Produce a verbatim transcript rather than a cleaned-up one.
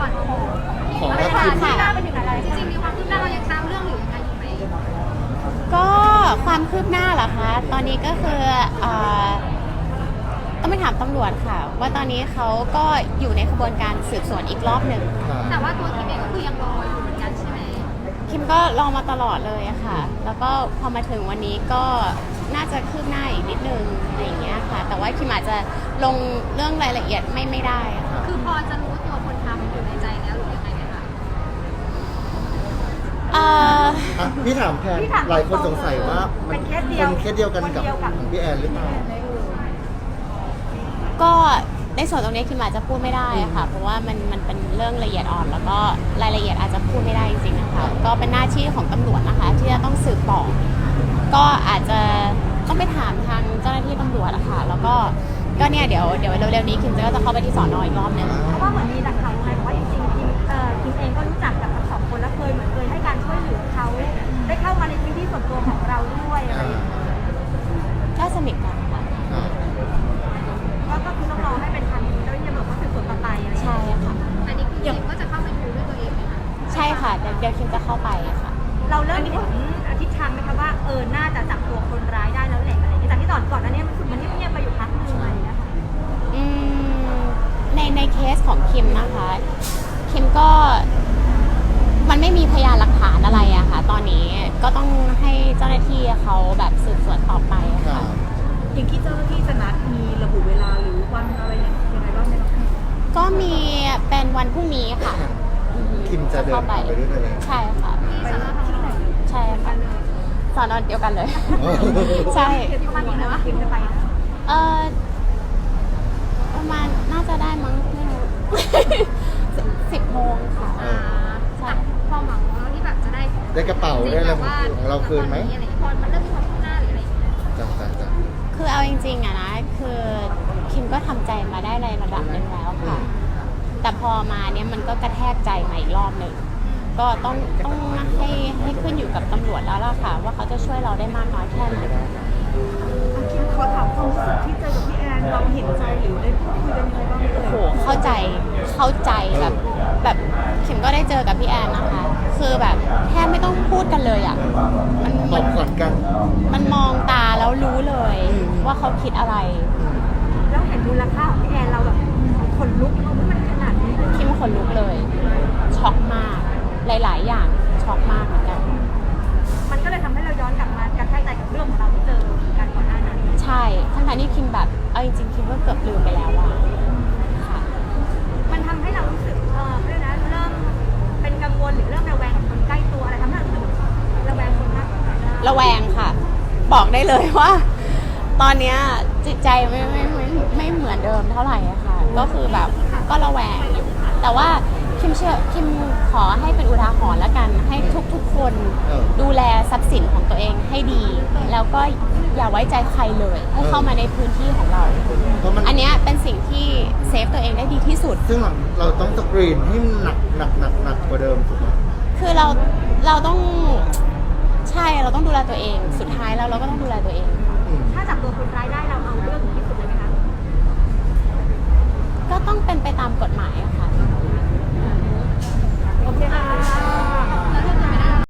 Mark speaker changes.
Speaker 1: อนของ
Speaker 2: ของ
Speaker 1: ไม่
Speaker 2: ทัพ
Speaker 1: ผ่า
Speaker 2: ทิ
Speaker 1: น
Speaker 2: ม
Speaker 1: ที่หน้าไปถึงอะไรจริงๆมีความคืบหน้าเรายังตามเรื่องหรือยังไงอยู่ไหม
Speaker 3: ก็ความคืบหน้าเหรอคะตอนนี้ก็คือเอ่อต้องไปถามตำรวจค่ะ ว่าตอนนี้เขาก็อยู่ในกระบวนการสืบสวนอีกรอบหนึ่ง
Speaker 1: แต่ว่าตัวคิมเองก็คือยังรออยู่เหมือนกันใช่ไหม
Speaker 3: คิมก็รอมาตลอดเลยอะค่ะ แล้วก็พอมาถึงวันนี้ก็น่าจะคืบหน้าอีกนิดนึงอะไรอย่างเงี้ยค่ะ แต่ว่าคิมอาจจะลงเรื่องรายละเอียดไม่ไม่ได้อะค่ะ
Speaker 1: คือพอจะรู้ตัวคนทำอยู่ในใจแล้วหรือยังไงไหมคะ
Speaker 3: เอ่อ
Speaker 2: อ่ะพี่ถามแทนหลายคนสงสัยว่ามันเป็นเคสเดียวกันกับของพี่แอนหรือเปล่า
Speaker 3: ก็ในส่วนตรงนี้คิมอาจจะพูดไม่ได้อะค่ะ เพราะว่ามันมันเป็นเรื่องละเอียดอ่อน แล้วก็รายละเอียดอาจจะพูดไม่ได้จริงๆนะคะ ก็เป็นหน้าที่ของตำรวจนะคะ ที่จะต้องสืบต่อ ก็อาจจะต้องไปถามทางเจ้าหน้าที่ตำรวจอะค่ะ แล้วก็ก็เนี่ยเดี๋ยวเดี๋ยวเร็วๆนี้คิมจะก็จะเข้าไปที่สอนอีกรอบหนึง
Speaker 4: เพราะว่าเหมือนมีหลักฐานไงบอกว่าจริงๆคิมเอ่อคิมเองก็รู้จักกับทั้งสองคนและเคยเหมือนเคยให้การช่วยเหลือเขาได้เข้ามาในพื้นที่ส่วนตัวของเราด้วยอะไรอย่างเงี้ย
Speaker 3: ก็สนิทกันค่ะ
Speaker 2: อ่า
Speaker 4: ก็ก็คือต้องรอให้เป็นทางเจ้าหน้าที่ตำรวจเขาสืบสวนต่อไปอะไรอย่าง
Speaker 3: ใช่
Speaker 4: เงี้ย
Speaker 3: ค่ะ
Speaker 1: อันนี้คือคิมก็จะเข้าไปดูด้วยตัวเองไหมคะ
Speaker 3: ใช่ค่ะ เดี๋ยวเดี๋ยวคิมจะเข้าไปค่ะ
Speaker 4: เราเริ่มเห็นทิศทางไหมคะว่าเออน่าจะจับตัวคนร้ายได้แล้วแหละอะไรอย่างเงี้ยจากที่ก่อนก่อนหน้านี้มันรู้สึกมันเงียบๆไปอยู่พักหนึงอะไรอย่างเงี้ยค่ะ
Speaker 3: อืมในในเคสของคิมนะคะ คิมก็มันไม่มีพยานหลักฐานอะไรอะค่ะ ตอนนี้ก็ต้องให้เจ้าหน้าที่เขาแบบสืบสวนต่อไปอะ
Speaker 2: ค่ะ
Speaker 3: ค่ะ
Speaker 4: อย่างที่เจ้าหน้าที่จะนัดมีระบุเวลาหรือวันอะไรยังไงบ้างไหมคะ
Speaker 3: ก็มีเป็นวันพรุ่งนี้ค่ะอือฮึ
Speaker 2: คิมจะเดิน
Speaker 3: เข้าไป
Speaker 2: ไปด้วยตัวเอง
Speaker 3: ใช่ค่ะ
Speaker 1: ที่สอนอทองหล่อ
Speaker 3: ใช่ค่ะสอนอเดียวกันเลย ใช่
Speaker 4: เดี๋ยวประมาณนี้นะว่าคิมจะไปนะ
Speaker 3: เออประมาณน่าจะได้มั้งไม่รู้ สิบโมงค่ะ
Speaker 2: เออ
Speaker 3: ใช่
Speaker 1: ความหวังของเราที่แบบจะได้
Speaker 2: ได้กระเป๋าได้อะไรของเราคืนไหม
Speaker 1: อะไรพอมันเริ่มมีความคืบหน้าหรืออะไรอย่างเงี้ย
Speaker 2: จ้ะจ้ะจ้ะ
Speaker 3: คือเอาจริงๆอะนะ คือคิมก็ทำใจมาได้ในระดับหนึ่งแล้วค่ะ แต่พอมาเนี้ยมันก็กระแทกใจมาอีกรอบหนึ่ง ก็ต้องต้องให้ให้ขึ้นอยู่กับตำรวจแล้วล่ะค่ะ ว่าเขาจะช่วยเราได้มากน้อยแค่ไหน
Speaker 4: คิมขอถามความรู้สึกที่เจอกับพี่แอนเราเห็นใจหรือได้พูดคุยกันยังไงบ้างเอ่ย
Speaker 3: โหเข้าใจเข้าใจแบบแบบคิมก็ได้เจอกับพี่แอนนะคะ คือแบบแทบไม่ต้องพูดกันเลยอะมัน
Speaker 2: ต
Speaker 3: มั
Speaker 2: อน บก่อนกัน
Speaker 3: มันมองตาแล้วรู้เลย
Speaker 2: อืม
Speaker 3: ว่าเขาคิดอะไร
Speaker 4: แล้วเห็นมูลค่าของพี่แอนเราแบบขนลุกเพราะว่ามันขนาดนี้เลย
Speaker 3: คิมขนลุกเลย ช็อกมาก หลาย ๆ อย่างช็อกมากเหมือนกัน
Speaker 4: มันก็เลยทำให้เราย้อนกลับมากระแทกใจกับเรื่องของเราที่เจอกันก่อนหน้านั้น
Speaker 3: ใช่ทั้งๆที่คิมแบบเอาจริงๆคิมก็เกือบลืมไปแล้วอะค่ะ
Speaker 4: มันทำให้เรารู้สึกเออเรื่องนะเริ่มเป็นกังวลหรือเริ่มระแวงกับคนใกล้ตัวอะไรทำให้เรารู้สึกระแวงคนมากกว่า
Speaker 3: ระแวงค่ะ บอกได้เลยว่า ตอนเนี้ยจิตใจไม่ไม่ไม่ไม่เหมือนเดิมเท่าไหร่อะค่ะ ก็คือแบบก็ระแวงอยู่ แต่ว่าคิมเชื่อคิมขอให้เป็นอุทาหรณ์แล้วกัน ให้ทุกๆคน
Speaker 2: เออ
Speaker 3: ดูแลทรัพย์สินของตัวเองให้ดี แล้วก็อย่าไว้ใจใครเลย ให้เข้ามาในพื้นที่ของเรา
Speaker 2: เพราะมัน
Speaker 3: อันเนี้ยเป็นสิ่งที่เซฟตัวเองได้ดีที่สุด
Speaker 2: ซึ่งเราเราต้องสกรีนให้หนักหนักหนักหนักกว่าเดิมถูกไหม
Speaker 3: คือเราเราต้องใช่เราต้องดูแลตัวเอง สุดท้ายแล้วเราก็ต้องดูแลตัวเองค่ะ
Speaker 2: อืม
Speaker 4: ถ้าจับตัวคนร้ายได้เราเอาเรื่องถึงที่สุดเลยไหมคะ
Speaker 3: ก็ต้องเป็นไปตามกฎหมายอะค่ะ
Speaker 4: โอเคค่ะ
Speaker 1: แล้วถ้าเกิด